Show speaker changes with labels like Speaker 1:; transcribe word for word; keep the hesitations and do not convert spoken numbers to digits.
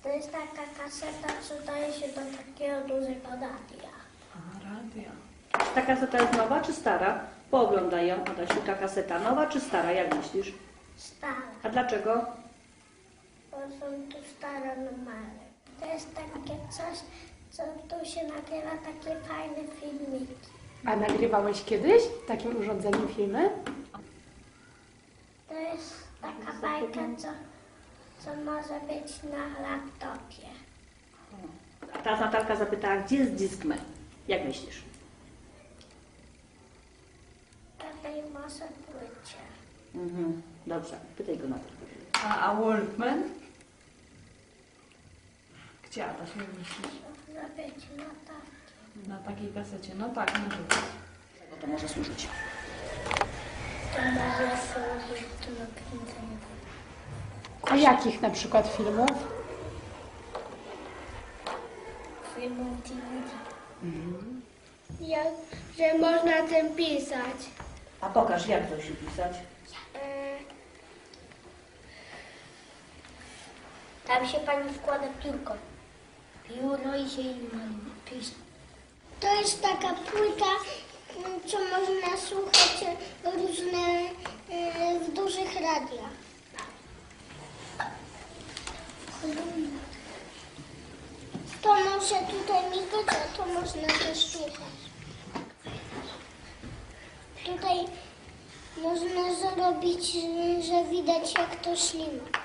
Speaker 1: To jest taka kaseta, co daje się do takiego dużego radia.
Speaker 2: A, radia.
Speaker 3: Ta kaseta jest nowa czy stara? Pooglądaj ją, Adasiu, ta kaseta nowa czy stara, jak myślisz?
Speaker 1: Stara,
Speaker 3: A dlaczego?
Speaker 1: bo są tu stare numery. To jest takie coś, co tu się nagrywa, takie fajne filmiki.
Speaker 4: A nagrywałeś kiedyś takim urządzeniem filmy?
Speaker 1: To jest taka bajka, co, co może być na laptopie.
Speaker 3: A ta Natalka zapytała, gdzie jest Discman? Jak myślisz?
Speaker 1: Tutaj może płycie.
Speaker 3: Mhm. Dobrze, pytaj go na to.
Speaker 2: A, a Walkman? Gdzie, Adaś, jak myślisz?
Speaker 1: Może być na takiej.
Speaker 2: Na takiej kasecie. No tak, może być.
Speaker 3: Czego to może służyć?
Speaker 1: To może służyć do nakręcenia.
Speaker 4: A jakich na przykład filmów?
Speaker 1: Filmów D V D. Jak, że można tym pisać.
Speaker 3: A pokaż, jak to się pisać.
Speaker 1: E, Tam się pani wkłada piórko. Pióro i się pisze. To jest taka płyta, m, co można słuchać e, różne e, w dużych radiach. To może tutaj migać, a to można też słuchać. Tutaj można zrobić, że widać jak to ślina.